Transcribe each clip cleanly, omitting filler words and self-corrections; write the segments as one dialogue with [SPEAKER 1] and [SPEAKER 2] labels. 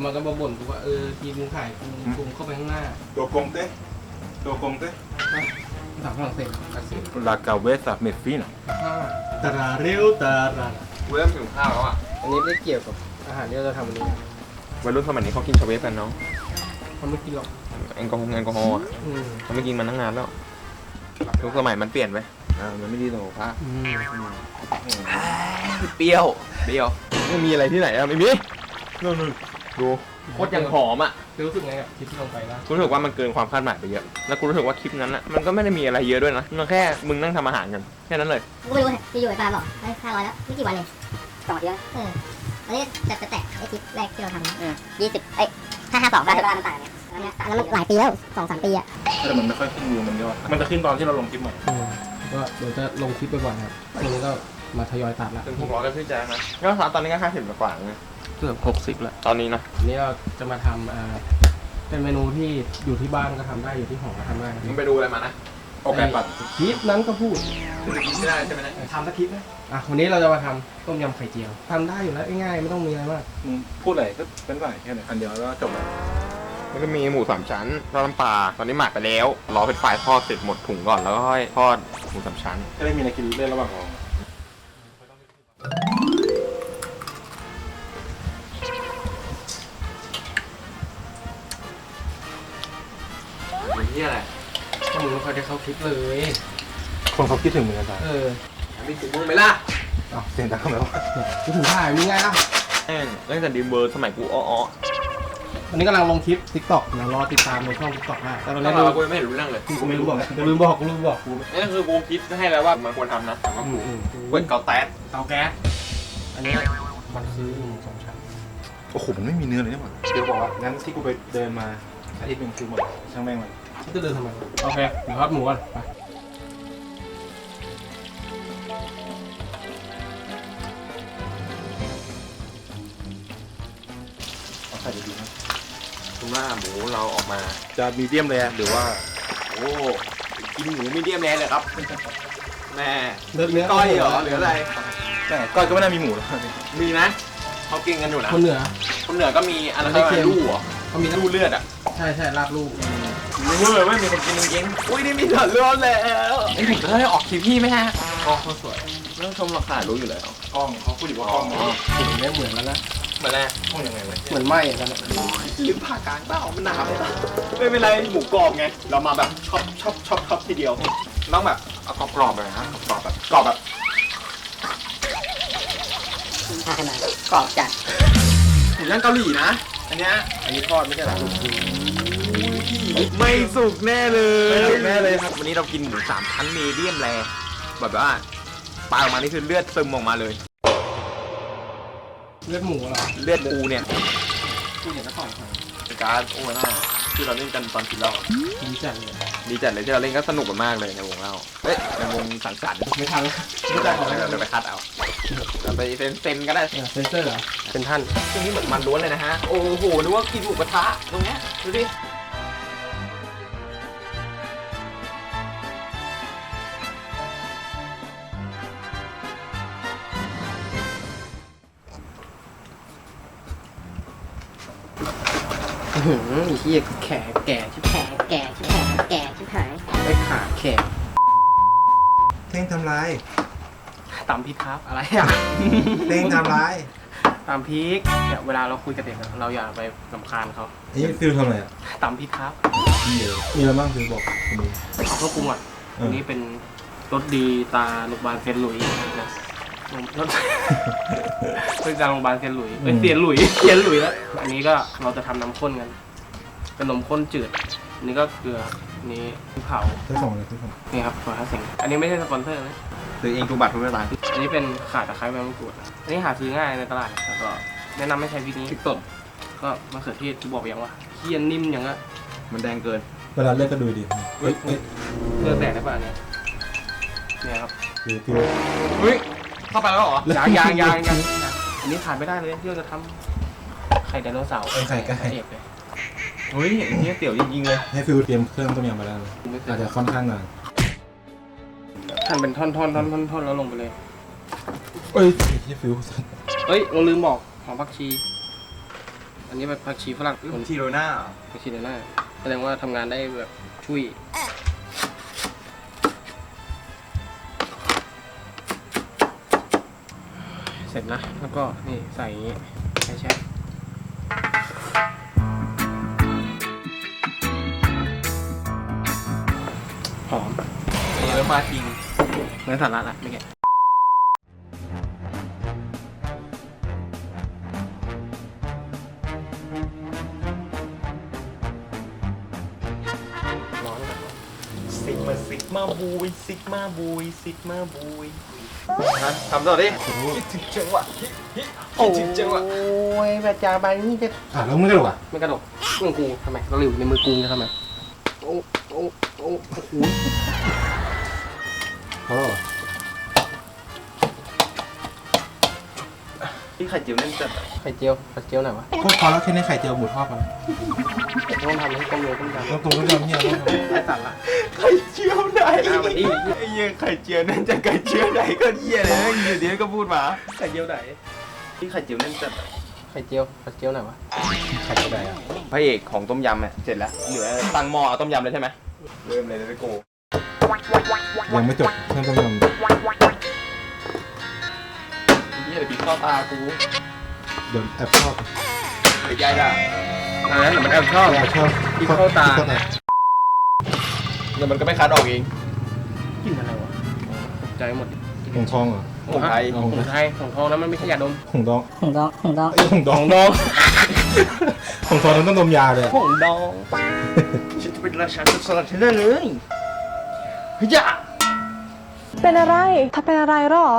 [SPEAKER 1] มันก็มาบ่นกูว่าทีมมึงขายกูเข้าไปข้างหน้า
[SPEAKER 2] ตัวกงเต้
[SPEAKER 1] ภาษาฝรั่งเศส
[SPEAKER 2] La cabeza me fina
[SPEAKER 1] ตาราเร็วตารา
[SPEAKER 3] เริ่มหิวข้าวแล้วอ่ะ
[SPEAKER 1] อันนี้ไม่เกี่ยวกับอาหารที่เราจะทำวันนี้
[SPEAKER 3] วัยรุ่นสมัยนี้เขากินชาเวฟกันน้อง
[SPEAKER 1] เขาไม่กินหรอก
[SPEAKER 3] แอลกอฮอล์เขาไม่กินมันตั้งนานแล้วทุกสมัยมันเปลี่ยนไปมันไม่ดีต่อสุขภาพเปรี้ยวไม่มีอะไรที่ไหนอะไม่มีนู่นดูโคตรยังหอมอ่ะ
[SPEAKER 1] รู้สึกไงกับคลิปที่ลงไปนะ
[SPEAKER 3] รู้สึกว่ามันเกินความคาดหมายไปเยอะแล้วกูรู้สึกว่าคลิปนั้นอ่ะมันก็ไม่ได้มีอะไรเยอะด้วยนะมันแค่มึงนั่งทำอาหารกันแค่นั้นเลย
[SPEAKER 4] กูไม่รู้ที่อยู่ไอ้ปลาบอกได้500แล้วไม่กี่วันเอง2 อาทิตย์อันนี้จะแตะไอ้คลิปแรกที่เราทำ20552ได้มันต่างเนี่ยแล้วมันหลายปีแล้ว 2-3 ปีอะ
[SPEAKER 2] แต่มันไม่ค่อยขึ้นวิวมันเยอะมันจะขึ้นตอนที่เราลงคลิปใหม่
[SPEAKER 1] ก็เดี๋ยวจะลงคลิปไปก่อนครับตรงนี้ก็มาทยอยตัดละ
[SPEAKER 3] ถึง600ก็ขึ้นใจนะก็ตอนนี้ก็50กว่าไง
[SPEAKER 1] เกือบ60แล้ว
[SPEAKER 3] ตอนนี้นะ
[SPEAKER 1] นี้เราจะมาทำเป็นเมนูที่อยู่ที่บ้านก็ทำได้อยู่ที่หอก็ทำได้
[SPEAKER 3] มึงไปดูอะไรมานะ
[SPEAKER 2] ออกแบบปัด
[SPEAKER 1] คลิปนั้นก็พูด
[SPEAKER 3] ไม่ได้ใช่ไหม
[SPEAKER 1] ทำสักคลิปนะวันนี้เราจะมาทำต้มยำไข่เจียวทำได้อยู่แล้วง่ายๆไม่ต้องมีอะไรมาก
[SPEAKER 2] พูดอะไรก็เป็นฝ่ายแค่ไหนอันเดียวแล้วจบแล้ว
[SPEAKER 3] มันก็มีหมู3 ชั้นทอดน้ำปลาตอนนี้หมักไปแล้วรอเป็นไฟทอดเสร็จหมดถุงก่อนแล้วก็ค่อยทอดหมู3 ชั้น
[SPEAKER 2] จะได้มีอะไรกินเล่นระหว่างรอ
[SPEAKER 3] นี่อะไร
[SPEAKER 1] ก็มึงไม่ค่อยได้เข้าคลิปเลย
[SPEAKER 2] คนเขาคิดถึงมึงกันจ้ะ
[SPEAKER 3] มีถึงมึงไหมล่ะ
[SPEAKER 2] เสียงดังทำไมวะ
[SPEAKER 1] คิดถึงถ่ายมีไงล่ะ
[SPEAKER 3] เล่นแต่ดีมเวอร์สมัยกู
[SPEAKER 1] วันนี้กำลังลงคลิป TikTok นะรอติดตามในช่อง TikTok ได้แต่ตอนนี้
[SPEAKER 3] กูไม่เห็นรู้เรื่องเลย
[SPEAKER 1] กูไม่รู้บอกกูลืมบอก
[SPEAKER 3] นี่คือกูคิดให้แล้วว่ามันควรทำนะแต่ว่ากูเว้นเกาแก๊ส
[SPEAKER 1] อันนี้มันคือ2 ชั้น
[SPEAKER 2] โอ้โหมันไม่มีเนื้อเลยนี่หว่าเดี๋ยวบอกว่างั้นที่กูไปเดินมาอาทิตย์นึงคือหมดช่างแม่งมัน
[SPEAKER 1] จะเดินทำไมโอเคเดี๋ยวทอดหมูก่อนไป
[SPEAKER 2] เอาใส่ดีๆนะ
[SPEAKER 3] ทุกหน้าหมูเราออกมา
[SPEAKER 2] จะมีเดียมเลยหรือว่า
[SPEAKER 3] โอ้กินหมูมีเดียมแรเลยครับแม่
[SPEAKER 1] เนื้อ
[SPEAKER 3] ก้อยเหรอหรืออะไร
[SPEAKER 2] ใช่ก้อยก็ไม่น่ามีหมูหรอก
[SPEAKER 3] มีนะเขากินกันอยู่นะ
[SPEAKER 1] คนเหนือ
[SPEAKER 3] ก็มีอะไรก็ไม่รู้อ่ะ
[SPEAKER 1] เขามี
[SPEAKER 3] ลูกเลือดอ่ะ
[SPEAKER 1] ใช่ลาบลูก
[SPEAKER 3] รู้เลยว่ามีคนกินจริงๆอุ้ยนี่มีสัตว์เลือดแล้วไอ้ผมจะได้ออกคลิปพี่ไหมฮะ
[SPEAKER 1] เขาสวย
[SPEAKER 3] เรื่องชมราคารู้อยู่แล้ว
[SPEAKER 2] กล้องเขาพูดอยู่ว่ากล้อง
[SPEAKER 1] กลิ่นไม่เหมือนแล้วนะ
[SPEAKER 3] เหมือนอะไร
[SPEAKER 2] กล้องยังไงเลย
[SPEAKER 1] เหมือนไหม้แล้วนะ
[SPEAKER 3] ลิ้นผ่ากลางเต้ามันหนาวไม่เป็นไรหมูกรอบไงเรามาแบบชอบทีเดียวต้องแบบเอากรอบเลยนะกรอบแบบ
[SPEAKER 4] กรอบจัด
[SPEAKER 3] หมูย่างเกาหลีนะอันนี้ทอดไม่ใช่หรอไม่สุกแน่เลยครับวันนี้เรากินหมู3 ชั้นมีเดียมแรแบบว่าปลาออกมานี่คือเลือดซึมออกมาเลย
[SPEAKER 1] เลือดหมูเหรอ
[SPEAKER 3] เลือดปูเนี่ย
[SPEAKER 1] กูเห็นแล้วก่อน
[SPEAKER 3] การโอ้หน้าที่เราเล่นกันตอนกินเหล้า
[SPEAKER 1] ดีจัดเลย
[SPEAKER 3] ที่เราเล่นก็สนุกกันมากเลยในวงเล่าในวงสังสรรค์
[SPEAKER 1] ไม่ทัน
[SPEAKER 3] ไม่ได้เราไปคัดเอาเราไปเซนก็ได้
[SPEAKER 1] เซนเซอร์เหรอเป็นท่าน
[SPEAKER 3] ตรงนี้เหมือนมันล้วนเลยนะฮะโอ้โหนึกว่ากินหมูกระทะตรงเนี้ยดูดิ
[SPEAKER 1] ที่แก่ชิบหายไอ้ขาแขก
[SPEAKER 2] เท่งทำไร
[SPEAKER 1] ตำพริกครับอะไรอ่ะ
[SPEAKER 2] เท่งทำไร
[SPEAKER 1] ตำพริกเนี่ยเวลาเราคุยกับเด็กเราอย่าไปรำคาญเขา
[SPEAKER 2] นี่ฟิลทำอะไรอ่ะ
[SPEAKER 1] ตำพริกครับ
[SPEAKER 2] มีอะไรบ้างฟิลบอก
[SPEAKER 1] เขาก็ปรุงอ่ะอันนี้เป็นรสดีตาโรงพยาบาลเซนหลุยนะรสเป็นจากโรงพยาบาลเซนหลุยเป็นเซียนหลุยแล้วอันนี้ก็เราจะทำน้ำข้นกันเป็นนมข้นจืดอันนี้ก็เกลือนี้เผา
[SPEAKER 2] ที่ส่งเลยที่ส่ง
[SPEAKER 1] นี่ครับขอให้สิ่งอันนี้ไม่ใช่สปอนเซอร์นะ
[SPEAKER 3] ซื้อเองทุกบัตรทุกเวลา
[SPEAKER 1] อันนี้เป็นข่าตะไคร้ใบมะกรูดอันนี้หาซื้อง่ายในตลาดแล้วก็แนะนำให้ใช้วิธีนี้พริกสดก็มะเขือเทศที่บอกไปยังว่าเคี่ยนนิ่มอย่างละ
[SPEAKER 3] มันแดงเกิน
[SPEAKER 2] เวลาเลือกก็ดูดี
[SPEAKER 1] เลือกแต่ได้ป่ะเนี่ยครับ
[SPEAKER 3] เฮ้ยเข้าไปแล้วเหรอ
[SPEAKER 1] ยังอันนี้ขาดไม่ได้เลยที่เราจะทำไข่ไดโนเสาร์
[SPEAKER 2] ไข่ไก่
[SPEAKER 3] เฮ้ยอันนี้เตี๋ยวจริงๆเลย
[SPEAKER 2] ให้ฟิลเตรียมเครื่องต้มยำมาแล้วอาจจะค่อนข้างนาน
[SPEAKER 1] หั่นเป็นท่อนแล้วลงไปเลย
[SPEAKER 2] เอ้ยที่ฟิล
[SPEAKER 1] เราลืมบอกหอมผักชีอันนี้เป็นผักชีฝรั่ง
[SPEAKER 3] ทีโรน่า
[SPEAKER 1] ผักชีเดน่าแสดงว่าทำงานได้แบบช่วยเสร็จนะแล้วก็นี่ใส่อย่างงี้แช่หอม
[SPEAKER 3] เยอะมาจริง
[SPEAKER 1] เนื้อสาระละไม่แกะร้อนแบบ
[SPEAKER 3] ซิกมาบุยซิกมาบุยซิกมาบุยฮะทำต่อดิคิดถึงจังหวะคิดถึงจังหวะ
[SPEAKER 1] โอ้ยแบบจาใบนี่จะ
[SPEAKER 2] แล้วมึงกระโดดอ่ะ
[SPEAKER 1] ไม่กระดกมือกูทำไมเราหลิวในมือกูจะทำไมโอ้โอ้โอ้โอ้โห
[SPEAKER 2] พอแล้วเหรอ
[SPEAKER 3] ที่ไข่เจียวนั่นจัด
[SPEAKER 1] ไข่เจียวไหนวะ
[SPEAKER 2] พวกพอแล้วแค่นี้ไข่เจียวหมูทอดพอแล้ว
[SPEAKER 1] ต้องทำให้ต้มยำต้มยำ
[SPEAKER 2] ต้องตรงต้องยำเนี่ยต้องทำ
[SPEAKER 1] ไร้สาระ
[SPEAKER 3] ไข่เจียวไหน
[SPEAKER 1] มันดี
[SPEAKER 3] ไอ้เหี้ยไข่เจียวนั่นจะไข่เจียวไหนก็เหี้ยเลยอยู่ดีก็พูดมา
[SPEAKER 1] ไข่เจียวไหน
[SPEAKER 3] ที่ไข่เจียวนั่นจัด
[SPEAKER 1] ไข่เจียวไหนวะ
[SPEAKER 2] ไข่เจียวใดอ่ะ
[SPEAKER 3] พระเอกของต้มยำเนี่ยเสร็จแล้วเหลือตั้งหม้อเอาต้มยำเลยใช่ไหมเริ่มเลยเลยโก
[SPEAKER 2] ยังไม่จบเพิ่มต้องยำ
[SPEAKER 3] เหี้ยเดี๋ยวปีเข้าตากู
[SPEAKER 2] เดี๋ยวแอบชอบ
[SPEAKER 3] ไอ้ยายอ่ะ
[SPEAKER 1] อันนั้นมันแอบชอบ
[SPEAKER 2] แอบชอบ
[SPEAKER 1] ที่เข้าตา
[SPEAKER 2] ที่เข้าตา
[SPEAKER 3] เดี๋ยวมันก็ไม่คัดออกเอง
[SPEAKER 1] กินอะไรวะตกใจหมด
[SPEAKER 2] หงทองเหรอ
[SPEAKER 3] ของไทย
[SPEAKER 1] ของไทยของทองนั้นมันไม่ใช่ยาดม
[SPEAKER 2] หงดอง
[SPEAKER 4] หงดอง
[SPEAKER 2] ไอ้ยหงดอง
[SPEAKER 1] ดอง
[SPEAKER 2] หงทองนั้นต้องดมยาเลยอะ
[SPEAKER 1] ของดอง
[SPEAKER 3] ฉันจะเป็นราชาจุดสลัดที่ได้เลยเฮ้ยจ้า
[SPEAKER 5] เป็นอะไรถ้าเป็นอะไรหรอ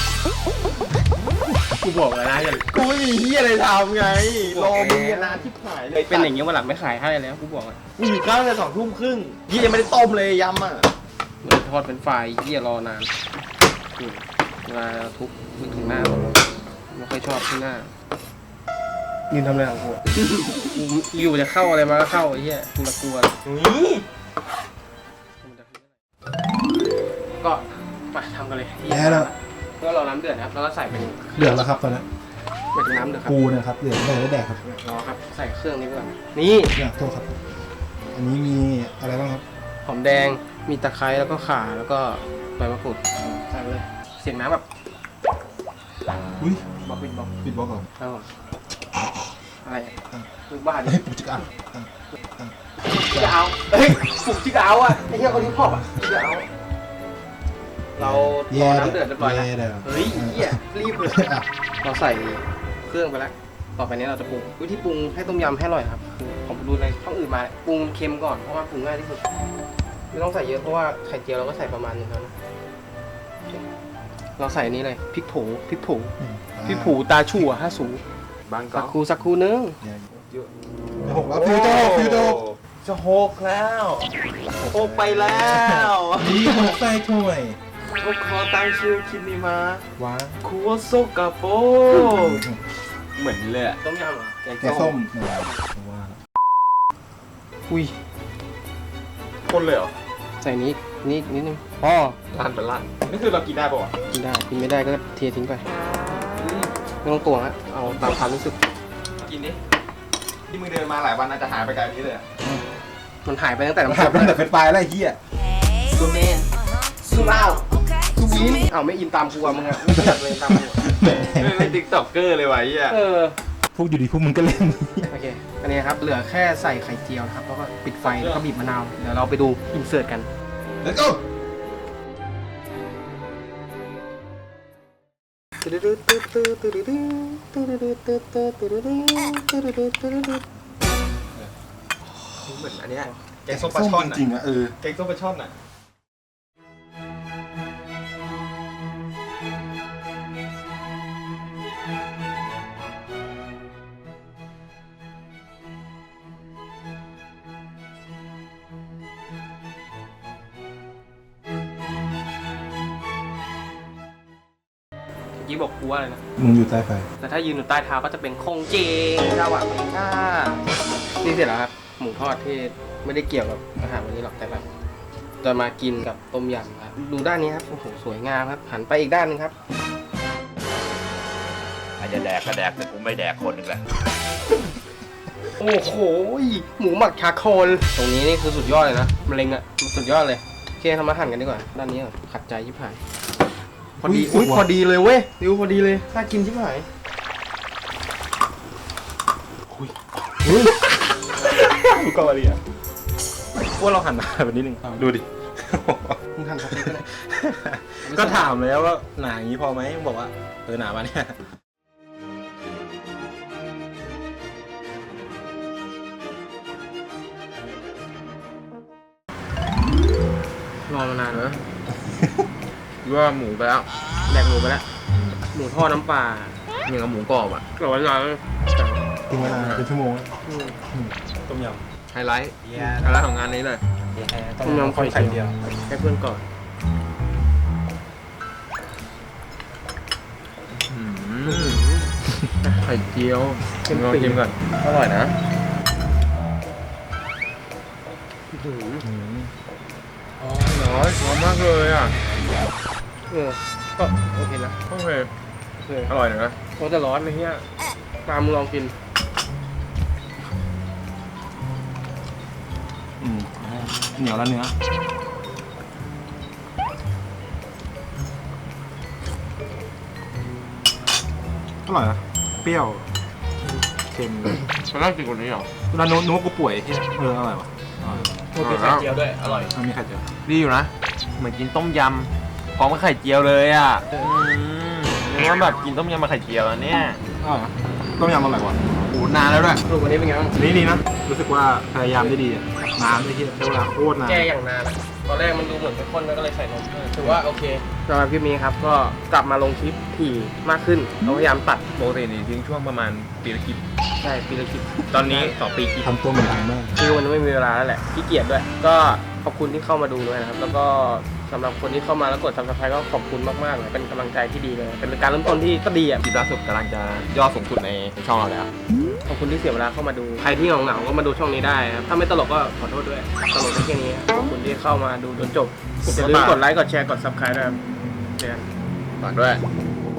[SPEAKER 1] กูบอกแล้วนะอย่า
[SPEAKER 3] กูไม่มีเหี้ยอะไรทำไงรอมึงเนี่ยนานที่หายเลย
[SPEAKER 1] เป็นอย่างเงี้ยวันหลังไม่ขายให้แล้วกูบอกอ่ะ
[SPEAKER 3] กูอยู่ข้างแต่20:30ยี่ยังไม่ได้ต้มเลยยำอ่ะ
[SPEAKER 1] เหมือนทอดเป็นไฟเยี่ยรอนานเวลาทุบนึกถึงหน้าผมไม่ค่อยชอบที่หน้ายืนทำอะไรของกูกูอยู่จะเข้าอะไรมาก็เข้าไอ้เหี้ยกูละกลัว
[SPEAKER 3] นี่
[SPEAKER 1] ก็มาทำกันเลยที่
[SPEAKER 2] แย่แล้ว
[SPEAKER 1] ก็รอน้ำเดือดนะครับแล้วก็ใส่เป็น
[SPEAKER 2] เดือดแล้วครับตอนนี้
[SPEAKER 1] เป็นน้ำเดือดครับ
[SPEAKER 2] ปูเนี่ยครับเดือดไม่ได้แดกครับ
[SPEAKER 1] รอครับใส่เครื่องนี้ไปก่อนนี่
[SPEAKER 2] เนี่ยโทษครับ อันนี้มีอะไรบ้างครับ
[SPEAKER 1] หอมแดงมีตะไคร้แล้วก็ข่าแล้วก็ใบมะกรูดใส่ไปเลยเสียงน้ำแบบ
[SPEAKER 2] อุ้ย
[SPEAKER 1] บอกปิดบอก
[SPEAKER 2] ปิดบล็อกเหรอ
[SPEAKER 1] ครับผมอะไรมึงบ้าดิ
[SPEAKER 2] เฮ้ยปุ๊บจิกอ่ะ
[SPEAKER 1] จะเอาเฮ้ยปลุกจิกเอาอ่ะไอ้เหี้ยคนที่พอบอ่ะจิกเอาเรารอน้ำเดือดเรียบร้อยแล้ว
[SPEAKER 2] แย่แล้ว
[SPEAKER 1] เฮ้ยเหี้ยรีบเลย
[SPEAKER 2] อ่ะ
[SPEAKER 1] เราใส่เครื่องไปแล้ว ต่อไปนี้เราจะปรุงวิธีปรุงให้ต้มยำให้อร่อยครับคือผมดูในช่องอื่นมาปรุงเค็มก่อนเพราะว่าปรุงง่ายที่สุดไม่ต้องใส่เยอะเพราะว่าไข่เจียวเราก็ใส่ประมาณนึงแล้วนะโอเคเราใส่อันนี้เลยพริกผูตาชั่วห้าสู
[SPEAKER 3] บาง
[SPEAKER 1] สั
[SPEAKER 3] ก็
[SPEAKER 1] กครู่นึง
[SPEAKER 2] หกแล้วฟิวโตฟิวโต
[SPEAKER 3] จะหกแล้วหกไปแล้ว
[SPEAKER 2] นี่หกใส่ถ้วย
[SPEAKER 3] พวกขอตั้งชื่อคลิปนี้มา
[SPEAKER 2] ว้า
[SPEAKER 3] ครัวโซกาโปเหมือนเลยอะ
[SPEAKER 1] ต้มยำเหรอ
[SPEAKER 2] แกงส้มเนี่ยว่า
[SPEAKER 1] อุ้ย
[SPEAKER 3] คนเลยเหรอ
[SPEAKER 1] ใส่นี้นิดนึงอ๋อ
[SPEAKER 3] ลั่นเป็นลั่นนี่คือเรากินได้ป่ะ
[SPEAKER 1] กินได้กินไม่ได้ก็เททิ้งไปไม่ต้องตวงฮะเอาตามความรู้สึก
[SPEAKER 3] กินดิที่มึงเดินมาหลายวันอาจจะหายไปไกลนี้เลย
[SPEAKER 1] มันหายไปตั้งแต่น้ำ
[SPEAKER 2] หา
[SPEAKER 1] ซุ
[SPEAKER 2] ย
[SPEAKER 1] ป
[SPEAKER 2] ไปตั้งแต่เป็นปลายแล้วไอ้เหี้ย
[SPEAKER 3] ซูเมนซูเมา
[SPEAKER 1] ซูวินเอาไม่อินตามกูอะมึงอะไม่อยากเลยตามกูอะ
[SPEAKER 3] เป็นติ๊กต็อกเกอร์เลยวะไอ้เหี้ย
[SPEAKER 2] พวกอยู่ดีพวกมึงก็เล่น
[SPEAKER 1] โอเคอันนี้ครับเหลือแค่ใส่ไข่เจียวนะครับแล้วก็ปิดไฟแล้วก็บีบมะนาวเดี๋ยวเราไปดูอินเสิร์ตกัน
[SPEAKER 2] Let's go
[SPEAKER 3] เหมือนอันเนี้ยแกงส้มปลาช่อน
[SPEAKER 2] จริงๆอ่ะ
[SPEAKER 3] แกงส้มปลาช่อนอ่ะ
[SPEAKER 1] เมื่อกี้บอกกูว่าอะไรนะ
[SPEAKER 2] มึงอยู่ใต้ไฟ
[SPEAKER 1] แต่ถ้ายืนอยู่ใต้เท้าก็จะเป็นคงเจงชาวะเมงก้านี่เสร็จแล้วครับหมูทอดที่ไม่ได้เกี่ยวกับอาหารวันนี้หรอกแต่แบบจะมากินกับต้มยำครับดูด้านนี้ครับโอ้โหสวยงามครับหันไปอีกด้านหนึงครับ
[SPEAKER 6] อาจจะแดกก็แดกแต่กูไม่แดกคนหนึ่งแหละ
[SPEAKER 1] โอ้โหหมูหมักชาโคลตรงนี้นี่คือสุดยอดเลยนะมะเร็งอ่ะสุดยอดเลยโอเคทำมาหั่นกันดีกว่าด้านนี้ก่อนขัดใจยิบหายพอดีอุ้ยพอดีเลยเว้ยดิวพอดีเลยน่ากินชิบหายก็พอดีอ่ะ
[SPEAKER 2] ว่าเราหั่นหนาแบบนิดนึงดูดิ
[SPEAKER 1] มึงหั่นสเต็กก็ได้
[SPEAKER 2] ก็ถามแล้วว่าหนาอย่างนี้พอไหมบอกว่าหนามาเนี่ย
[SPEAKER 1] รอมานานนะ
[SPEAKER 3] ว่าหมูไปแล้ว
[SPEAKER 1] แดกหมูไปแล้วหมูทอดน้ำปลา
[SPEAKER 3] อย่างกับหมูกรอบอ่ะ
[SPEAKER 1] กรอบร้อน
[SPEAKER 2] ทิ้งไว้นานเป็นชั่วโมง ต้มย
[SPEAKER 3] ไฮไลท์ไฮไลท์ของงานนี้เลย
[SPEAKER 2] ำต้มยำไข่เดียว
[SPEAKER 1] ให้เพื่อนก่อน
[SPEAKER 3] ไข่เจียวลองชิมก่อนอร่อยนะร้อนมากเลยอ่ะ
[SPEAKER 1] ก็โอเคนะ
[SPEAKER 3] โอเคอร่อยนะ
[SPEAKER 1] โอ้แต่ร้อนเลยเนี่ยปลามึงลองกิน
[SPEAKER 2] เหนียวแล้วเนื้ออร่อยนะเปรี้ยวเค็ม
[SPEAKER 3] มันน่ากินกว่านี้เหรอ
[SPEAKER 2] แล้วนึกว่ากูป่วยที่อร่อยวะ
[SPEAKER 1] มีไข่เจียวด้วย อร่อย
[SPEAKER 2] มีไข่เจียว
[SPEAKER 3] ดีอยู่นะ เหมือนกินต้มยำพร้อมกับไข่เจียวเลยอ่ะนึกว่าแบบกินต้มยำมาไข่เจียวอันเนี้ย
[SPEAKER 2] ต้มยำอร่อยกว่า
[SPEAKER 3] โอ้นานแล้วด้วย
[SPEAKER 1] สรุปวันนี้เป็นไงบ้าง
[SPEAKER 2] นี่ดีนะ รู้สึกว่าพยายามได้ดีอะน้ำได้ที่ใช้เวลาโคตรนาน
[SPEAKER 1] แก้อย่างนานอะตอนแรกมันดูเหมือนเป็นข้นแล้วก็เลยใส่นมถือว่าโอเคสำหรับคลิปนี้ครับ ก็กลับมาลงคลิปถี่มากขึ้นเราพยายามตัด
[SPEAKER 3] ปกตินี่ทิ้งช่วงประมาณปีละคลิป
[SPEAKER 1] ใช่ปีละคลิป
[SPEAKER 3] ตอนนี้2 ปีคลิป
[SPEAKER 2] ทำตัวเหมือนดังมาก
[SPEAKER 1] คือมันไม่มีเวลาแล้วแหละขี้เกียจด้วย ก็ขอบคุณที่เข้ามาดูด้วยนะครับ แล้วก็สำหรับคนที่เข้ามาแล้วกด subscribe ก็ขอบคุณมากๆเลยเป็นกำลังใจที่ดีเลย เป็นการเริ่มต้นที่ก็ดีอ่ะ
[SPEAKER 3] คลิปล่าสุดกำลังจะยอดสูงสุดในช่องเราแล้ว
[SPEAKER 1] ขอบคุณที่เสียเวลาเข้ามาดู ใครที่เหงาๆก็มาดูช่องนี้ได้ครับถ้าไม่ตลกก็ขอโทษด้วย ตลกได้แค่นี้ขอบคุณที่เข้ามาดูจนจบอย่าลืมกดไลค์ กดแชร์ กด subscribe ด้วยครับเจอกัน
[SPEAKER 3] ฝากด้วย
[SPEAKER 1] บ